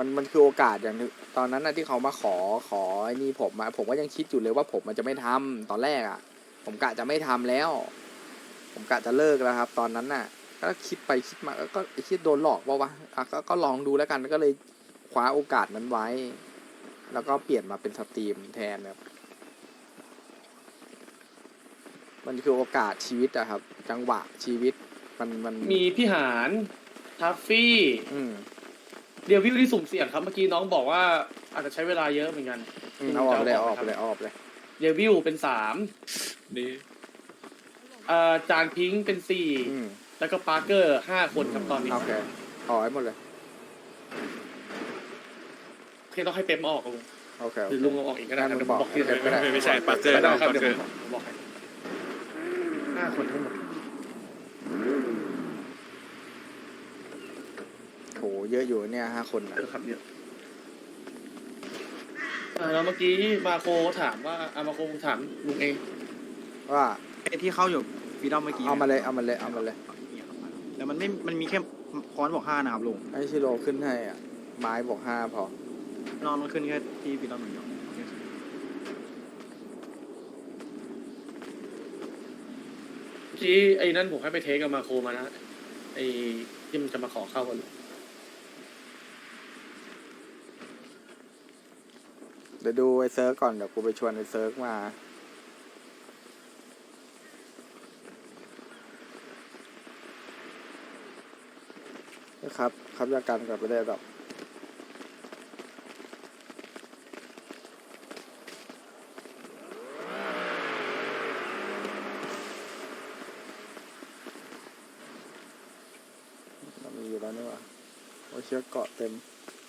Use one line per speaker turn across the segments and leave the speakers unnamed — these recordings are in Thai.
มันคือโอกาสอย่างนึงตอนนั้นนะที่เขามาขอไอ้นี่ผมก็ยังคิดอยู่เลยว่าผมมันจะไม่ทำตอนแรกอ่ะผมกะจะไม่ทำแล้วผมกะจะเลิกแล้วครับตอนนั้นน่ะก็คิดไปคิดมาก็คิดโดนหลอกว่าวะอ่ะก็ลองดูแล้วกันก็เลยคว้าโอกาสนั้นไว้ แล้วก็เปลี่ยนมาเป็นสตรีมแทนครับมันคือโอกาสชีวิตอะครับจังหวะชีวิตมัน
มีพี่หานทัฟฟี่เดียววิวที่สุ่มเสี่ยงครับเมื่อกี้น้องบอกว่าอาจจะใช้เวลาเยอะเหมือนกัน
เอาออกไปเลย
เดียววิวเป็น3
นี่
จานพิงค์เป็น4แล้วก็ปาร์เกอร์5 คนครับตอนนี้
โอเคเอาให้หมดเลย
โอเคต้องให้เป๊ปมาออกลุง
โอเค
หรือลุงเอาออกอีกก็ได้ครับบอกที่
ไม่ใช่ปักเกอร์
ได้ครับ
ปัก
เดี๋ยว
เกอร์
ผมบอกให้5 คนทั้งหมด
โหเยอะอยู่เนี่ย5 คนนะครับ
เยอะแล้วเมื่อกี้มาโคถามว่ามาโคถามลุงเอง
ว่า
ที่เข้าอยู่ฟีดอมเมื่อกี้
เอามาเลย
แล้วมันมีแค่ค้อนบอก5นะครับลุง
ให้ชิโร่ขึ้นให้อ่ะไม้บอก5พอน
อนมันขึ้นแค่ที่ฟีดอมอย่างเดียว
ที่ไอ้นั่นผมให้ไปเทคกับมาโคมานะไอ้ที่มันจะมาขอเข้ากัน
เดี๋ยวดูไอ้เซิร์ฟก่อนเดี๋ยวกูไปชวนไอ้เซิร์ฟมาครับยากันกับไปได้ดอกมีอยู่แล้วนี่วะโอ้เชือกเกาะเต็ม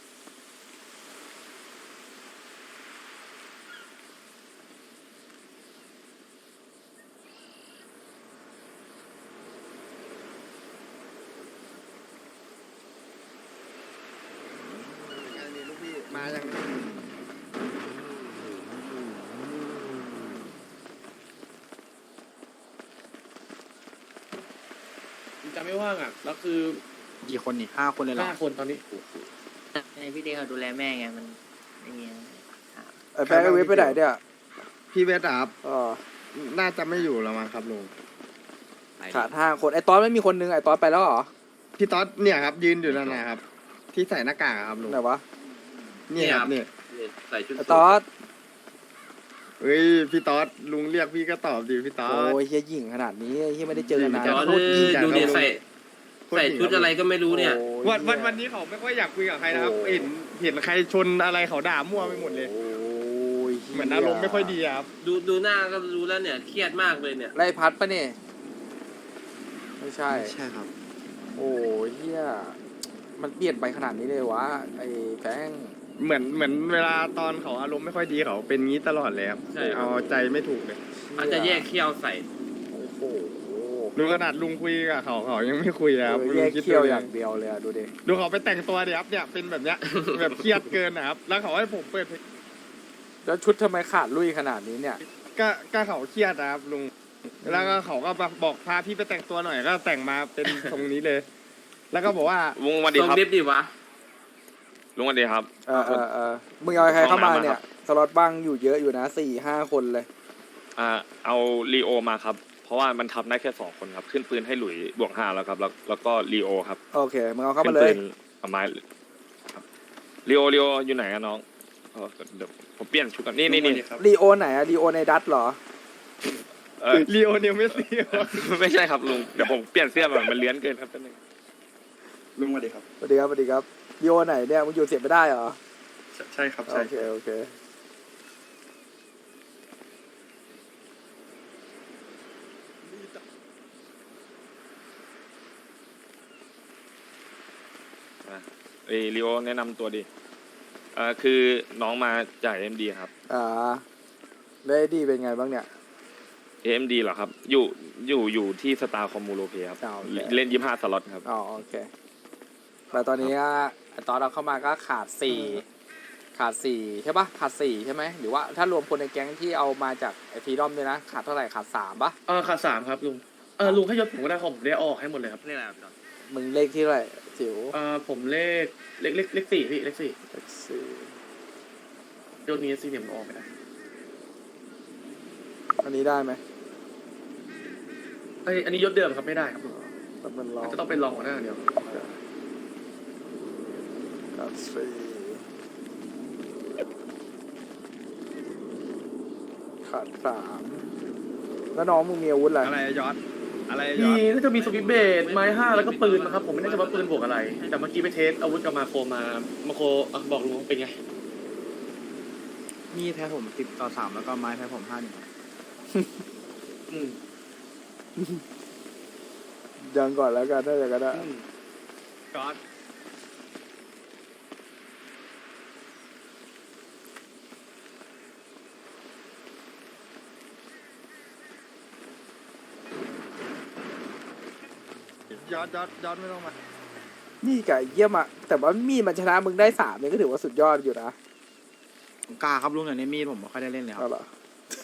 มาอย่าง
จะไม่ว่างอ่ะแล้วคือ
กี่คนนี่5 คนเลยเหรอ
5 คนตอนนี้
พี่เดย์เขาดูแลแม่ไงมันไม่มี
ไอ้แป๊กไอ้เว็บไปไหนเนี่ย
พี่เวสครับ
อ๋อ
น่าจะไม่อยู่แล้วมั้งครับลุง
ขาด5 คนไอ้ตอนไม่มีคนนึงไอ้ตอนไปแล้วเหรอ
พี่ต๊อดเนี่ยครับยืนอยู่นั่นนะครับ ที่ใส่หน้ากากอะครับลุง
ไหนวะ
เนี่ยครับเนี่ย
ใส่ชุด
ไอ้ตอน
เฮ้ยพี่ต๊อดลุงเรียกพี่ก็ตอบดิพี่ต๊อด
โอ้ยเฮียหยิ่งขนาดนี้เฮียไม่ได้เจอกันนาน
โคตรยิ่ง
ดูเนี่ยใส่ชุดอะไรก็ไม่รู้เนี่ย
วันนี้เขาไม่ค่อยอยากคุยกับใครนะครับเห็นใครชนอะไรเขาด่ามั่วไปหมดเลย
โอ้ย
เหมือนอารมณ์ไม่ค่อยดีครับ
ดูหน้าก็รู้แล้วเนี่ยเครียดมากเลยเนี่ย
ไล่พัดปะเนี่ยไม่ใช่
ใช่ครับ
โอ้ยเฮียมันเปลี่ยนไปขนาดนี้เลยวะไอ้แฟง
เหมือนเวลาตอนเขาอารมณ์ไม่ค่อยดีเขาเป็นงี้ตลอดเลยครับเอาใจไม่ถูกเลย
อาจจะแยกเขี้ยวใส่
โอ้โห
ดูขนาดลุงคุยกับเขายังไม่คุยครับ
แยกเขี้ยวอย่างเดียวเลยอะดูดิ
ดูเขาไปแต่งตัวดิครับเนี่ยเป็นแบบเนี้ย แบบเครียดเกินนะครับแล้วเขาให้ผมเปิดเพลง
แล้วชุดทำไมขาดลุยขนาดนี้เนี่ย
ก็เขาเครียดนะครับลุงแล้วก็เขาก็บอกพาพี่ไปแต่งตัวหน่อยก็แต่งมาเป็นทรงนี้เลย แล้วก็บอกว่า
ลุงวันดีครับดิวะลุงวันดีครับ
มึงเอาใครเข้ามาเนี่ยสล็อตบ้างอยู่เยอะอยู่นะ4-5 คนเลย
เอาลีโอมาครับเพราะว่ามันทับได้แค่2 คนครับขึ้นปืนให้หลุยบวก5แล้วครับแล้วก็ลีโอครับ
โอเคมึงเอาเข้ามาเลย
เอาไม้ครับลีโออยู่ไหนอะน้องเดี๋ยวผมเปลี่ยนชุดกันนี่
ลีโอไหนอะลีโอในดัตเหรอ
ลีโอเนลเมสซี่
ไม่ใช่ครับลุงเดี๋ยวผมเปลี่ยนเสื้อแบบมันเลื้อนเกินครับแป๊บนึง
ลุงสวัสดีครับ
สวัสดีครับลีโอไหนเนี่ยมึงอยู่เสียไม่ได้เหรอ
ใช่ครับ
โอเค
ลีโอแนะนำตัวดิคือน้องมาจากเอ็มดีครับ
ได้ดีเป็นไงบ้างเนี่ย
AMD เหรอครับอยู่ที่สตาร์คอมมูโลเพครับเล่น25 สล็อตครับ
อ๋อโอเคแต่ตอนนี้ตอนเราเข้ามาก็ขาด4ใช่ปะขาด4ใช่ไหมหรือว่าถ้ารวมคนในแก๊งที่เอามาจากไอฟีดอมด้วยนะขาดเท่าไหร่ขาด3ปะ
ขาด3ครับลุงลุงให้ยศผมก็ได้ผมได้ออกให้หมดเลยครับ
เรียกอะไรครับ
มึงเลขที่เท่าไหร่จิ๋ว
ผมเลข4พี่เลข4
แท็กซี่
ยศนี้สี่เหลี่ยมออกไปได้
อันนี้ได้ไหม
อันนี้ยศเดิมครับไม่ได้ครับ
แล้วมันลอง
จะต้องเป็นรองหัวหน้าเดียว
แท็กซี่ขาด3แล้วน้องมึงมีอาวุธอะไร
อะไรอะยอดอะไรอะย
มี
อด
น่าจะมีสวิตช์เบสไม้5แล้วก็ปืนนะครับผมไม่แน่ใจว่าปืนบวกอะไร แต่เมื่อกี้ไปเทสอาวุธกับมาโคบอกลุงว่าเป็นไง
มีแพ้ผม10-3แล้วก็ไม้แพ้ผม5-1ครับ
อืม
ยังก่อนแล้วกันถ้าอย่างนั้นอะ
ยอดยอดไม่ต้องมา
นี่ไก่เยี่ยมอะแต่ว่ามีดมันชนะมึงได้3เนี่ยก็ถือว่าสุดยอดอยู่นะ
ผมกล้าครับลุงแต่ในมีดผมไม่ค่อยได้เล่นเลยค
เอา
รับ
เหรอ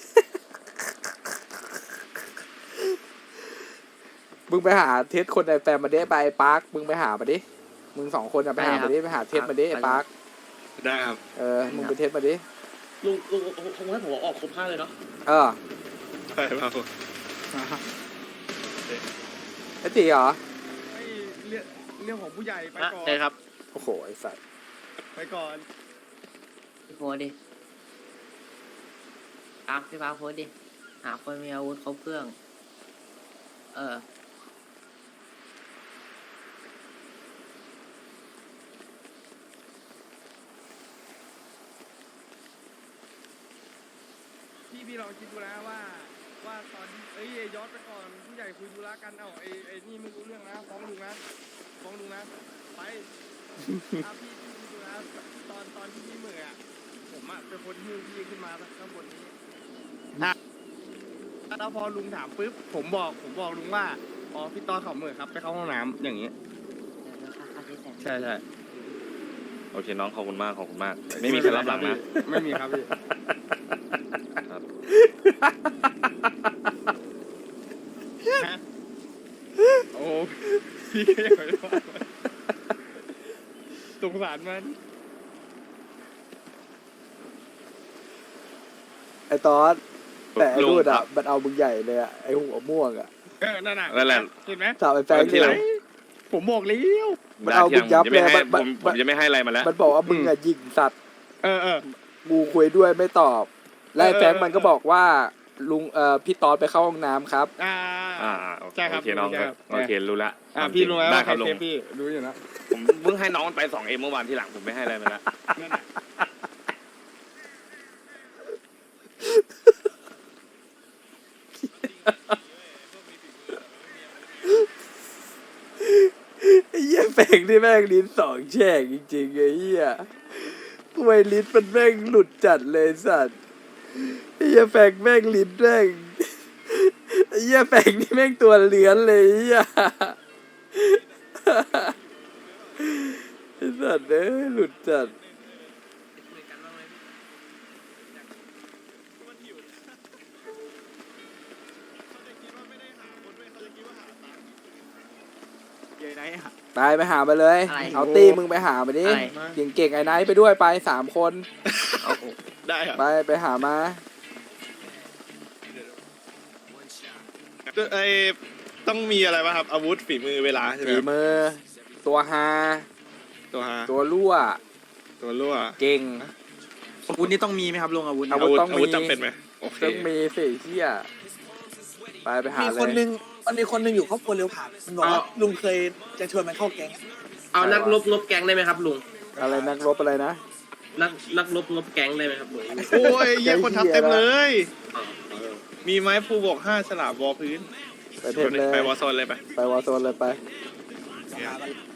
มึงไปหาเทสคนในแฟมมาดิไปปาร์คมึงไปหามาดิมึง2 คนอะไปหามาดิไปหาเทสมาดิไอ้ปาร์ค
ได้ครับ
มึงไปเทสมาดิ
ลุงคงให้ผมออกครบ5เลยเนาะ
เออ
ได้ครับ
ไอ้ตีเหรอ
ไอ้เรื่องของผู้ใหญ่ไปก่อน
ใช่ครับ
โอ้โหไอ้สัตว์
ไปก่อน
โพสต์ดิพี่พักโพสต์ดิ หาคนมีอาวุธครบเครื่อง
พี่ลองคิดดูนะว่าตอนที่ยอดไปก่อนผู้ใหญ่คุยธุระกันไอ้นี่ไม่รู้เรื่องนะฟ้องลุงนะไปพี่ดูนะตอนที่พี่เหมื่อยผมเป็นคนหิ้วพี่ขึ้นมาข้างบนนี้แล้วพอลุงถามปุ๊บผมบอกลุงว่าอ๋อพี่ตอนเขาเหมื่อยครับไปเข้าห้องน้ำอย่างนี้ ใช่
โอเคน้องขอบคุณมากไม่มีใครรับหลังนะ
ไม่มีครับพี่
ครับ
โอ้พี่ก็ยังไม่ว่าสงสารมัน
ไอ้ตอนแต่ไอ้
ลุง
รูด
ครั
อะ
บ
มันเอามึงใหญ่เลยอะไอ้หัวม่วงอะ
นั่นน่ะ
นั่นแหละ
เห็นไหม
ถามไอ้แฟง
ที
ดิ
หลัง
ผมบอกเลี้ยว
มันเอามึงยับเลย
ผมจะไม่ให้อะไรมาแล้ว
มันบอกว่ามึงอะยิงสัตว์
เออ
กูคุยด้วยไม่ตอบ และไอ้แฟง
เออ
มันก็บอกว่าลุงพี่ตอนไปเข้าห้องน้ำครับ
โอเค
ใช่ครับ
โอเคน้อง
ใช่ครับ
โอเครู้ละ
พี่รู้ไหม
ได้
ว่า
ค
ใคร
รับลุ
เซ
ง
ฟพี่รู้อยู่นะ
ผมเพิ่งให้น้องมันไป2Mเมื่อวานที่หลังผมไม่ให้อะไรมาแล้ว
นั่นน่ะ
ไอ้เหี้ยแฟงที่แม่งลิ้น2 แฉกจริงๆไอ้เหี้ยทำไมลิ้นมันแม่งหลุดจัดเลยสัตว์ไอ้เหี้ยแฟงแม่งลิ้นแม่งไอ้เหี้ยแฟงนี่แม่งตัวเลื้อนเลยไอ้เหี้ยไอ้สัตว์เอ้ยหลุดจัด
เย้ไหนอะ
ไปหามาเลย
อะไร
เอาตีมึงไปหามาดิ
อะไร
เก่งๆไอ้ไนท์ไปด้วยไป3 คน
ได้ครับ
ไปหามา
ต้องมีอะไรป่ะครับอาวุธฝีมือเวลาใช่ไหม
ฝี
ครับ
มือ ตัวฮา
ตัวฮา
ตัวรั่ว
ตัวรั่ว
เก่ง
อาวุธนี่ต้องมีไหมครับลุงอาวุธ
อา
เนี่ย
วุธต้องมี
อาวุธจำเป็นไหมโอเค
ต้องมีสิเฮียไปหา
มี
เล
คนห
ย
นึ่งมันมีคนหนึ่งอยู่ครอบครัวเร็วผ่านมันบอกว่าลุงเคยจะชวนมันเข้าแก๊ง
เอานักลบแก๊งได้ไหมครับลุง
อะไรนักรบอะไรนะ
นักลบแก๊งได้ไหมครับลุง
โอ้ยเยี่ยคนทับเต็มเลย
อ๋อ
มีไม้ภูบวก5ฉลามวอพื้น
ไปเทมเลย
ไปวอโซนเลยไป
ไปวอร์โซนเลยไป
หากัน